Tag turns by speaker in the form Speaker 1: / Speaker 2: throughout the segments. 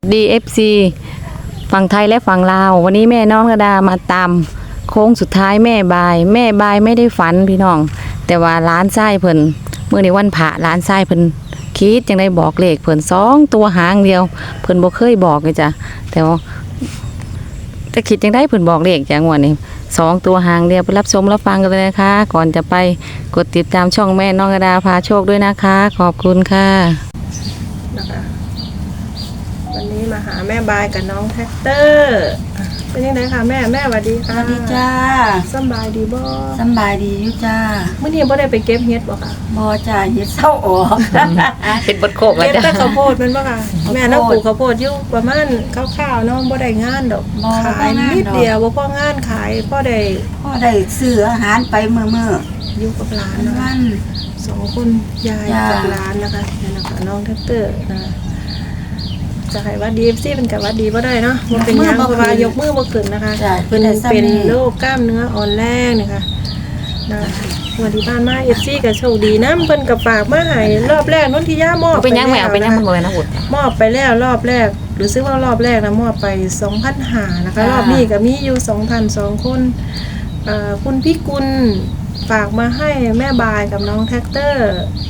Speaker 1: DFC ฝั่งไทยและฝั่งลาววันนี้แม่น้องระดามาตามโค้งสุดท้ายแม่บายไม่ได้ฝันพี่น้องแต่ว่าร้านไส้เพิ่นเมื่อในวันพระร้านไส้เพิ่นคิดจังได้บอกเลขเพิ่น2ตัวหางเดียวเพิ่นบ่เคยบอกเลยจ้ะแต่ว่าจะคิดจังได้เพิ่นบอกเลขจังวันนี้2ตัวหางเดียวไปรับชมรับฟังกันเลยนะคะก่อนจะไปกดติดตามช่องแม่น้องระดาพาโชคด้วยนะคะขอบคุณค่ะ
Speaker 2: นะคะวันนี้มาหาแม่บายกับน้องแท็กเตอร์เป็นยังไงคะแม่สวัสดีค่ะ
Speaker 3: สวัสดีจ้า
Speaker 2: สบายดีบ่
Speaker 3: สบายดีอยู่จ้า
Speaker 2: เมื่อนี้บ่ได้ไปเก็บเห็ดบ่ค่ะ
Speaker 3: บ่จ้าเฮ็ดเศร้าออก
Speaker 1: เป็นบทโคกแล้ว
Speaker 2: เก็บ
Speaker 1: จ้ะ
Speaker 2: แต่ข้าวโพดมันบ่ค่ะแม่น้ำปลูกข้าวโพดอยู่ประมาณคร่าวๆเนาะบ่ได้งานดอกขายนิดเดียวบ่พองานขายพอได้
Speaker 3: ซื้ออาหารไปมื้อ
Speaker 2: อยู่กับหลานนะ
Speaker 3: วัน
Speaker 2: 2คนยายกับหลานนะคะนี่นะคะน้องแท็กเตอร์นะจะให้ว่า DFC เป็นกับว่าดีบ่ได้เนาะมันเป็นยังเพราะว่ายกมือบ่ขึ้นนะคะเพิ่นเป็นโรคกล้ามเนื้ออ่อนแรงนี่ค่ะนะวันที่ผ่านมา FC ก็โชคดีนะเพิ่นก็ฝากมาให้รอบแรกนนทิยามอบ
Speaker 1: เป็นยังแมวเป็นยังมันบ่นะอุด
Speaker 2: มอบไปแล้วรอบแรกหรือซื้อว่ารอบแรกนะมอบไป 2,500 นะคะรอบนี้ก็มีอยู่ 2,200 คนคุณพี่กุลฝากมาให้แม่บายกับน้องแท็กเตอร์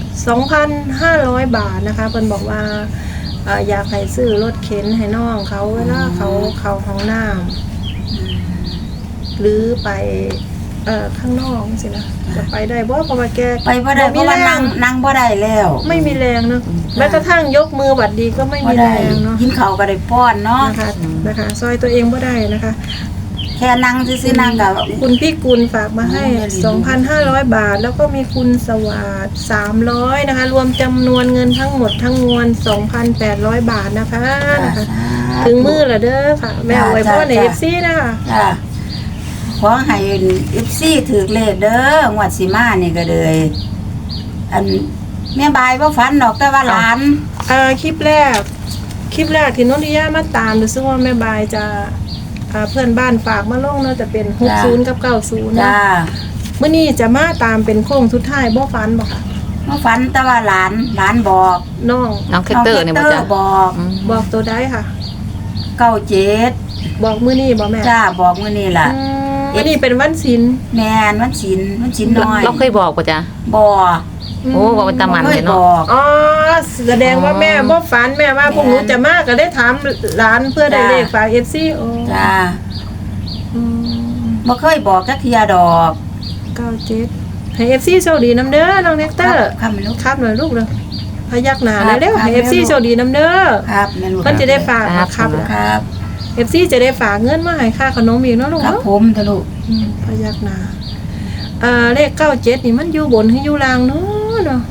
Speaker 2: 2,500 บาทนะคะเพิ่นบอกว่าอยากให้ซื้อรถเข็นให้น้องเขาเวลาเขาห้องน้ำหรือไปข้างนอกสินะจะไปได้บ่เพราะว่าแก
Speaker 3: ไปบ่ได้เพราะว่านั่งบ่ได้แล้ว
Speaker 2: ไม่มีแรงเนาะแม้กระทั่งยกมือหวัดดีก็ไม่มีแรงเนาะ
Speaker 3: กินข้าวก็ได้ป้อนเนาะ
Speaker 2: นะคะซอยตัวเองบ่ได้นะคะ
Speaker 3: แค่นั่งซื่อๆนั่งกับ
Speaker 2: คุณพี่กุลฝากมาให้ 2,500 บาทแล้วก็มีคุณสวัสดิ์300นะคะรวมจำนวนเงินทั้งหมดทั้งมวล 2,800 บาทนะคะถึงมือแล้วเด้อค่ะแม่ไว้พ่อใน FC นะคะ
Speaker 3: ขอให้ FC ถูกเลขเด้องวดสิมานี่ก็เลยอันแม่บายบ่ฝันดอกแต่ว่าหลาน
Speaker 2: คลิปแรกที่นนทิยามาตามรู้สึกว่าแม่บายจะเพื่อนบ้านฝากมาลงเนาะจะเป็น60กับ90นะมื้อนี้จะมาตามเป็นโค้งสุดท้ายบ่ฝันบ่ค่ะ
Speaker 3: บ่ฝันแต่ว่าหลานบอก
Speaker 2: น้อง
Speaker 1: แคทเตอร์นี่บ่จ้ะ
Speaker 3: บอก
Speaker 2: ตัวใดค่ะ
Speaker 3: 97
Speaker 2: บอกมื้อนี้บ่แม่
Speaker 3: จ้าบอกมื้อนี้ล่ะ
Speaker 2: มื้อนี้เป็นวันศีล
Speaker 3: แม่นวันศีลน้อย
Speaker 1: เราเคยบอกป่ะจ๊ะ
Speaker 3: บ่
Speaker 1: โอ้บอกเป็นตามันเลยเนาะ
Speaker 2: อ๋อแสดงว่าแม่บ่ฝันแม่ว่าพวกหนูจะมาก็ได้ถามหลานเพื่อได้เลขฝาก FC โอ้
Speaker 3: จ้าบ่เคยบอกจักเที่ยดอก
Speaker 2: 97ให้ FC โชคดีนำเด้อน้องแท็กเตอร์
Speaker 3: ครับลูก
Speaker 2: ครับหน่อยลูกเด้อพยักหน้าเลยเร็วให้ FC โชคดีนำเด้อ
Speaker 3: ครับแม่ลูก
Speaker 2: เพิ่นจะได้ฝากครับ FC จะได้ฝากเงินมาให้ค่าขนมอีกเนาะลูก
Speaker 3: ครับผมทะลุ
Speaker 2: พยักหน้าเลข97นี่มันอยู่บนหรืออยู่ล่างเนาะ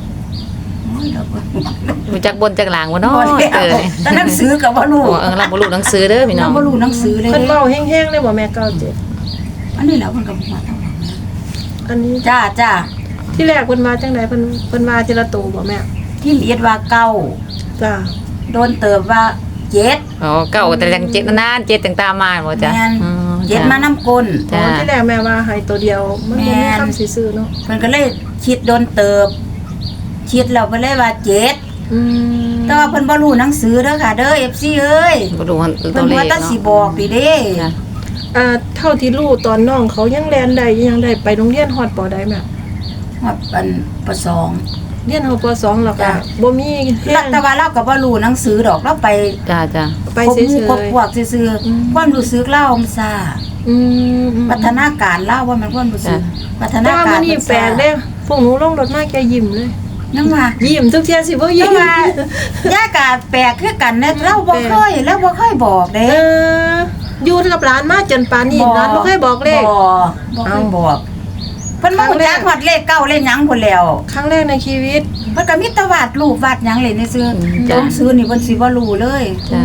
Speaker 1: รู้จักบนจักหลังบ่เนาะ
Speaker 3: แต่หนังสือก็บ่รู้
Speaker 1: เราบ่รู้หนังสือเด้อพี่น้อง
Speaker 3: บ่รู้หนังสือเลย
Speaker 2: เพิ่นเว้าแห้งๆเลยบ่แม่97
Speaker 3: อันนี้แล้วเพิ่นก็มาทำ
Speaker 2: อันนี้
Speaker 3: จ้า
Speaker 2: ที่แรกเพิ่นว่าจังได๋เพิ่นว่าทีละโตบ่แม่
Speaker 3: ที่เอียดว่า9
Speaker 2: จ้า
Speaker 3: โดนเติบว่า7
Speaker 1: อ๋อเก่าแต่จัง7นาน7จังตามมาบ่จ้ะ
Speaker 3: 7มานำกล
Speaker 2: ที่แรกแม่ว่าให้ตัวเดียวมันบ่มีคำสิซื้อเนาะ
Speaker 3: เพิ่นก็เลยคิดโดนเติบคิดแล้วเพิ่นเลยว่า7แต่ว่าเพิ่นบ่รู้หนังสือเด้อค่ะเด้อ FC เอ้ย
Speaker 1: บ่รู้
Speaker 3: ตัวเลขเนาะเพิ่นว่าแต่สิบอกดิเด้
Speaker 2: เท่าที่รู้ตอนน้องเขายังแล่นได้ยังได้ไปโรงเรียนฮอดปอได้แม่
Speaker 3: ฮอดป.2
Speaker 2: เรียนฮอดป.2แล้วก็บ่มี
Speaker 3: แต่ว่าเราก็บ่รู้หนังสือดอกเราไป
Speaker 1: จ้า
Speaker 2: ไปซื่อๆ
Speaker 3: พวกซื่อๆความรู้สึกเรามันซ่าพัฒนาการเราว่ามันความรู้สึกพัฒนาการ
Speaker 2: มันนี่แปลกเด้พวกหนูลงรถมาแกยิ้มเลย
Speaker 3: ยังว่า
Speaker 2: ยิ้มทุกเที่ยสิบ่ยิ้ม
Speaker 3: ย่ากะแปลกคือกันนะเราบ่เคยบอกเด้
Speaker 2: อยู่กับร้านมาจนป่านนี้ร้านบ่เคยบอกเลข
Speaker 3: บ่เคยบอกเพิ่นบ่รู้จักฮอดเลขเก้าเลขหยังพุ่นแล้ว
Speaker 2: ครั้งแรกในชีวิต
Speaker 3: เพิ่นก็มีแต่วาดรูปวาดหยังเล่นซื่อๆต้องซื้อนี่เพิ่นสิบ่รู้เลย
Speaker 1: จ้ะ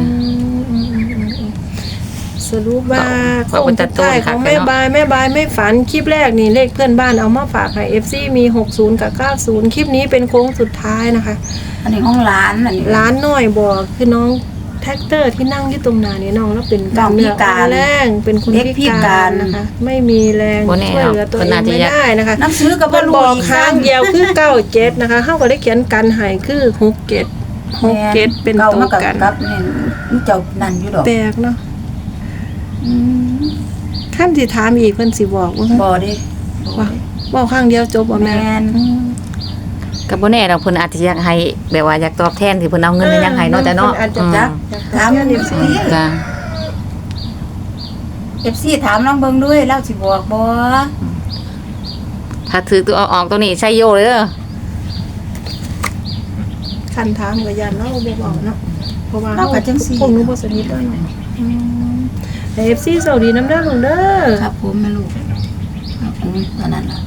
Speaker 2: สรุปว่าคงสุดท้ายของแม่บายไม่ฝันคลิปแรกนี่เลขเพื่อนบ้านเอามาฝากให้ FC มี60กับ90คลิปนี้เป็นโค้งสุดท้ายนะคะ
Speaker 3: อันนี้ของร้านอันนี้
Speaker 2: ร้านน้อยบอกคือน้องแท็กเตอร์ที่นั่งอยู่ตรงหน้านี่น้องแล้วเป็นกล้ามเนื้ออ่อนแรงเป็นคนพิการนะคะไม่มีแรงช่วยเหลือตัวเองไม่ได้นะคะ
Speaker 3: หนังสือก็บ่รู้
Speaker 2: บอกครั้งเดียวคือ97นะคะเฮาก็ได้เขียนกันให้คือ67 6-7เป็น
Speaker 3: เก่า
Speaker 2: ตัว
Speaker 3: มากับ
Speaker 2: กัน
Speaker 3: กับนี่มันเจ้านั่นอยู่ดอก
Speaker 2: แปลกเนาะ
Speaker 3: อืม
Speaker 2: ขั้นสิถามอีกเพิ่นสิบอกว่า
Speaker 3: บ่เด้
Speaker 2: ว่าเว้าข้างเดียวจบบ่
Speaker 3: แม่
Speaker 2: แม่
Speaker 3: น
Speaker 1: ก็บ่แน่ดอกเพิ่นอาจจะอยากให้แบบว่าอยากตอบแทนที่เพิ่นเอาเงินไปยังให้เนาะจ้ะเนาะ
Speaker 2: พิ่อาจจะ
Speaker 1: อืม
Speaker 2: จัก
Speaker 3: ถาม
Speaker 2: เอฟซี
Speaker 1: จ้ะ
Speaker 3: FC ถามน้องเบิ่งด้วยเราสิบอกบ่
Speaker 1: ถ้าถือตัวเอาออกตัวนี้ใช้โยเลยเด้อ
Speaker 2: คันถามก็ยันเนาะบ่บอกเนาะเพราะว่า
Speaker 3: เราก็จังซี่
Speaker 2: พวกหนูบ่สนิทด้วยเนาะแต่ FC สวัสดีน้ำเด้อลุงเด้อ
Speaker 3: ครับผมแม่ลูกตอนนั้นล่ะ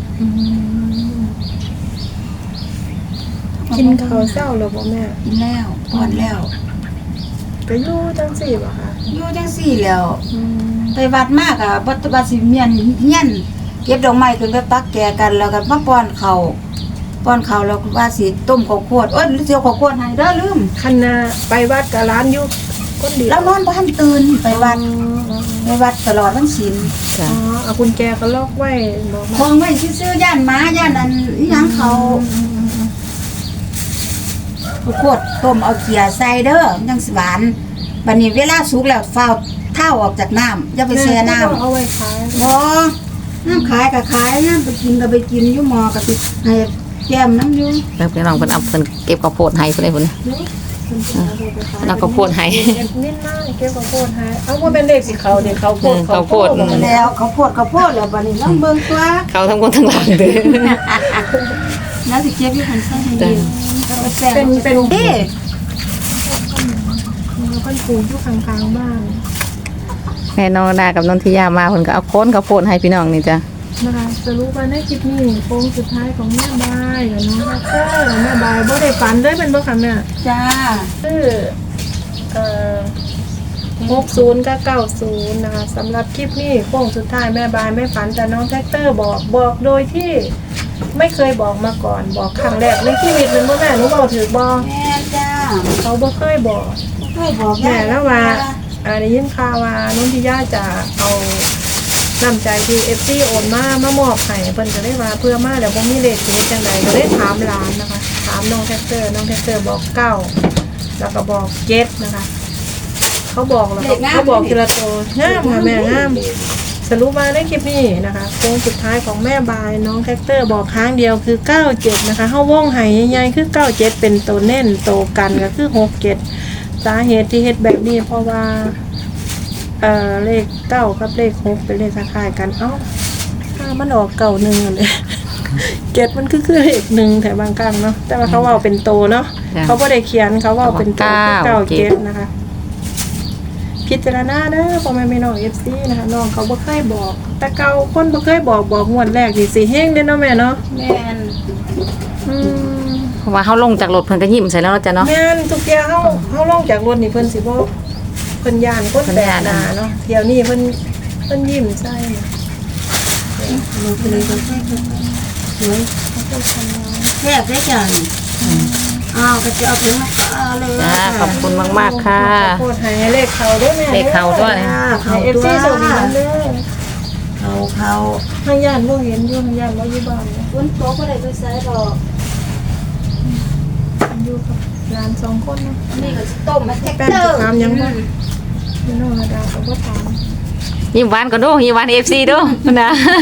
Speaker 2: กินข้าวเช้าแล้วบ่แม่
Speaker 3: กินแล้วป้อนแล้ว
Speaker 2: ก็อยู่จังซี่บ่คะ
Speaker 3: อยู่จังซี่แล้ว ไปวัดมากอ่ะบ่ว่าสิเมียนเฮียนเก็บดอกไม้ขึ้นไปปักแก่กันแล้วก็มาป้อนข้าวแล้วก็ว่าสิต้มข้าวโพดโอ้ยเสียวข้าวโพดให้เด้อลืม
Speaker 2: คันน่ะไปวัดกับร้านอยู่คนเดียว
Speaker 3: แล้วนอนบ่ทันตื่นไปวัดตลอดวันศีล
Speaker 1: จ้ะ
Speaker 2: อ๋อเอากุญแจก็ล็อกไว้บอก
Speaker 3: คงไว้ซื่อๆย่านหมาย่านอันอีหยังเขาข้าวโพดต้มเอาเกลือใส่เด้อมันจังสิหวานบัดนี้เวลาสุกแล้วฟ้าวเท้าออกจากน้ำอย่าไปแช่น้ำ
Speaker 2: เอาไว้ขาย
Speaker 3: บ่น้ำขายก็ขายน้ำไปกินก็ไปกินอยู่หมอก็สิให้แก้มน้ำอยู่
Speaker 1: แล้วพี่น้องเพิ่นเอาเพิ่นเก็บข้าวโพดให้เพิ่นได้พุ่น แล้วก็โพดให้
Speaker 2: นิดหน่อยเก็บข้าวโพดให้เอาว่าเป็นเลขสิเขาเดี๋ยวเขาโพด
Speaker 1: ข้าวโพด
Speaker 3: แล้วเขาวโพดแล้วบัดนี้ลองเบิ่งตัว
Speaker 1: เขาทั้งคนทั้งหลังเด้อ
Speaker 3: แล้วสิเก็บอยู่หันใส่ให้ดีเอาแป้ง
Speaker 2: เป็น
Speaker 3: เด้
Speaker 2: แล้วก็ปลูกอยู่ข้างๆบ้าน
Speaker 1: แม่น้องดากับนนทิยามาเพิ่นก็เอาโค้นข้าวโพดให้พี่น้องนี่จ้ะ
Speaker 2: นะคะสรุปว่าในคลิปนี้โค้งสุดท้ายของแม่บายกับน้องฮักเกอร์แม่บายบ่ได้ฝันเลยเป็นบ่ค่ะแม่
Speaker 3: จ้า
Speaker 2: คือ60กับ90นะคะสำหรับคลิปนี้โค้งสุดท้ายแม่บายไม่ฝันแต่น้องแท็กเตอร์บอกโดยที่ไม่เคยบอกมาก่อนบอกครั้งแรกในชีวิตเป็นบ่แม่หนูบอกถือบ่
Speaker 3: แม่จ้า
Speaker 2: เขาบ่เคยบอก
Speaker 3: ช่วยบอก
Speaker 2: แม่แล้วว่าได้ยินข่าวว่านุ่นทิยาจะเอาน้ำใจที่ FC โอนมามอบให้เพิ่นก็ได้ว่าเพื่อมาแล้วบ่มีเลขสิเฮ็ดจังไดก็ได้ถามร้านนะคะ ถามน้องแท็กเตอร์บอก9แล้วก็บอก7นะคะ เขาบอกแล้วก็เขาบอกทีละตัวงามค่ะแม่งามสรุปมาในคลิปนี้นะคะโค้งสุดท้ายของแม่บายน้องแท็กเตอร์บอกครั้งเดียวคือ97นะคะเฮาวงไห้ใหญ่ๆคือ97เป็นตัวเน้นตัวกันก็คือ67สาเหตุที่เฮ็ดแบบนี้เพราะว่าเลข9กับเลข6เป็นเลขคล้ายๆกันเอ้าถ้ามันออกเก่าหนึ่งเลยเจ็ดมันคือเลขหนึ่งแต่บางครั้งเนาะแต่ว่าเขาว่าเป็นโตเนาะเขาบ่ได้เขียนเขาว่าเป็นโตคือ97นะคะ พิจารณาเด้อพ่อแม่พี่น้อง FC นะคะน้องเขาบ่เคยบอก แต่เก่าคนบ่เคยบอกงวดแรกนี่สิเฮงเด้เนาะแม่เนาะ
Speaker 3: แม่น
Speaker 2: อืม
Speaker 1: เพราะว่าเฮาลงจากรถเพิ่นก็ยิ้มใส่แล้วเนาะจ้ะเนาะ
Speaker 2: แม่นทุกเที่ยเฮาลงจากรถนี่เพิ่นสิบ่เพิ่นย่านคนแปลกหน้าเนาะเที่ยวนี้เพิ่นยิ้มใส่นะ
Speaker 3: ลูกเลยก็ใช่คือสวยแซ่บได้จังอ้าวก็จะเอาถึงมาก็เอาเลย
Speaker 1: จ้าขอบคุณมากๆค่ะ
Speaker 2: ขอโทษให้เลขเขาด้วยแม่
Speaker 1: เลขเข้าด้วย
Speaker 2: ให้ FC สวัสดีเด้อ
Speaker 3: เขา
Speaker 2: ทางย่านบ่เห็นอยู่ทางย่านบ่อยู่บ้านเนี่ย
Speaker 3: ฝนตกก็ได้ไปใส่ดอก
Speaker 2: อยู่กับหลาน2คนเนาะ
Speaker 3: นี่ก็สิต้มมาแท็ก
Speaker 2: แป้ง
Speaker 3: เตอ
Speaker 2: จะ
Speaker 3: ร์
Speaker 2: ถามยังบ่พี่น้องระดาเขาบ่ถาม
Speaker 1: ยิ้มหวานก่อนดูยิ้มหวาน FC ดูนะ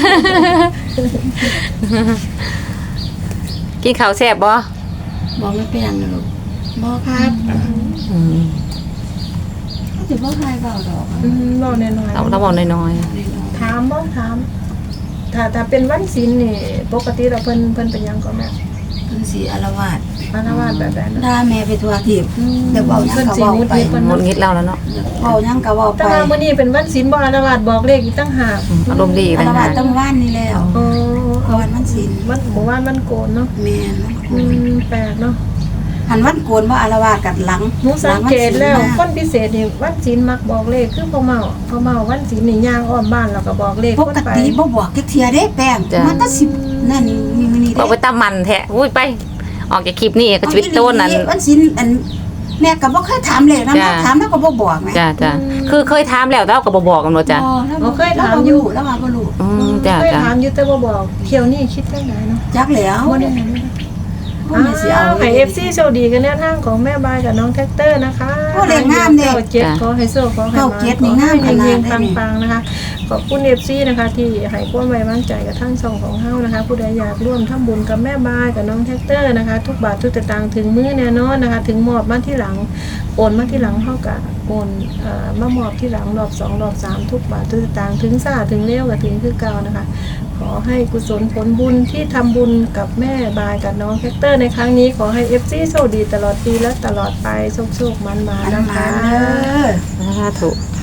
Speaker 1: กินข้าวแซ่บบ่
Speaker 3: บอกไม่เป็นนะลูกบอกครับ
Speaker 1: อืม
Speaker 3: เขาจะบอกใครเปล่าดอก
Speaker 2: บอกหน่อย
Speaker 1: เราบอกน้อย
Speaker 2: ถามบ้างถาม ถ้าเป็นวันศีลนี่ปกติเราเพิ่นเป็นหยังก็แม่
Speaker 3: คือสีอารวาส
Speaker 2: อารวาสแบบนั้น
Speaker 3: ด่าแม่ไปทัวทิพย์เดี๋ยวเบายังก็เบาไป
Speaker 1: ๆหมดงิดแล้วแล้วเนาะ
Speaker 3: เบายังก็เบาไป
Speaker 2: แต่ว่ามื้อนี้เป็นวันศีลบ่อารวาสบอกเลขอีกตั้งหาก
Speaker 1: อารมณ์ดี
Speaker 3: อา
Speaker 1: ต่าง
Speaker 3: รวา
Speaker 1: หา
Speaker 3: ส
Speaker 1: ก
Speaker 3: ต้องว่านนี่แล้ว
Speaker 2: โอ้
Speaker 3: เพราะวันมันศีล
Speaker 2: มันหมู่บ้านมันโกนเนาะ
Speaker 3: แม่น
Speaker 2: แปลกเนาะ
Speaker 3: หันวันโกนว่าอารวาสกัดหลัง
Speaker 2: หนูสังเกตแล้วคนพิเศษนี่วันศีลมักบอกเลขคือพ่อเมาวันศีลนี่ย่างอ้อมบ้านแล้วก็บอกเลข
Speaker 3: ป
Speaker 2: คน
Speaker 3: ก
Speaker 2: ไป
Speaker 3: ติบ่บอกจักเทียเด้แป้งมันตั้ง10นั่นนี่
Speaker 1: บอกไปตามมันแท้อุ้ยไป ออกจากคลิปนี้ก็ชีวิตโตนนั้น
Speaker 3: วันศีลอันแม่ก็บ่เคยถามเลยนะมาถามแล้วก็บ่บอกแม่
Speaker 1: จ้าคือเคยถามแล้วแต่เราก็บ่บอกกันเนาะจ้ะ
Speaker 3: เราเคยถามอยู่แล้วมาบ่รู้
Speaker 1: จ้า
Speaker 2: เคยถามอยู่แต่บ่บอกเที่ยวนี้คิดจังไดเนาะ
Speaker 3: จักแล้ว
Speaker 2: บ่ได้เห็น
Speaker 3: พวกนี้สิเอา
Speaker 2: ให้ FC โชคดีกันแนวทางของแม่บายกับน้องแท็กเตอร์นะคะ
Speaker 3: โอ้เลขงามเด้
Speaker 2: เจ็ดขอให้โชคขอให้
Speaker 3: เก้าเจ็ดนี่งามขนาด
Speaker 2: เฮง
Speaker 3: ได้นี่
Speaker 2: ๆปังๆนะคะขอบคุณ FC นะคะที่ให้ความไว้วางใจกับทั้งช่องของเฮานะคะผู้ใดอยากร่วมทำบุญกับแม่บายกับน้องแท็กเตอร์นะคะทุกบาททุกสตางค์ถึงมื้อแน่นอนนะคะถึงมอบมาที่หลังโอนมาที่หลังเฮาก็โอนมามอบที่หลังรอบ2รอบ3ทุกบาททุกสตางค์ถึงซ่าถึงเร็วก็ถึงคือเก่านะคะขอให้กุศลผลบุญที่ทำบุญกับแม่บายกับน้องแท็กเตอร์ในครั้งนี้ขอให้ FC โชคดีตลอดปีและตลอดไปโชคๆมันๆ
Speaker 3: อัน
Speaker 2: นะ
Speaker 3: มา
Speaker 2: คะ
Speaker 3: เด้อ
Speaker 1: สาธุ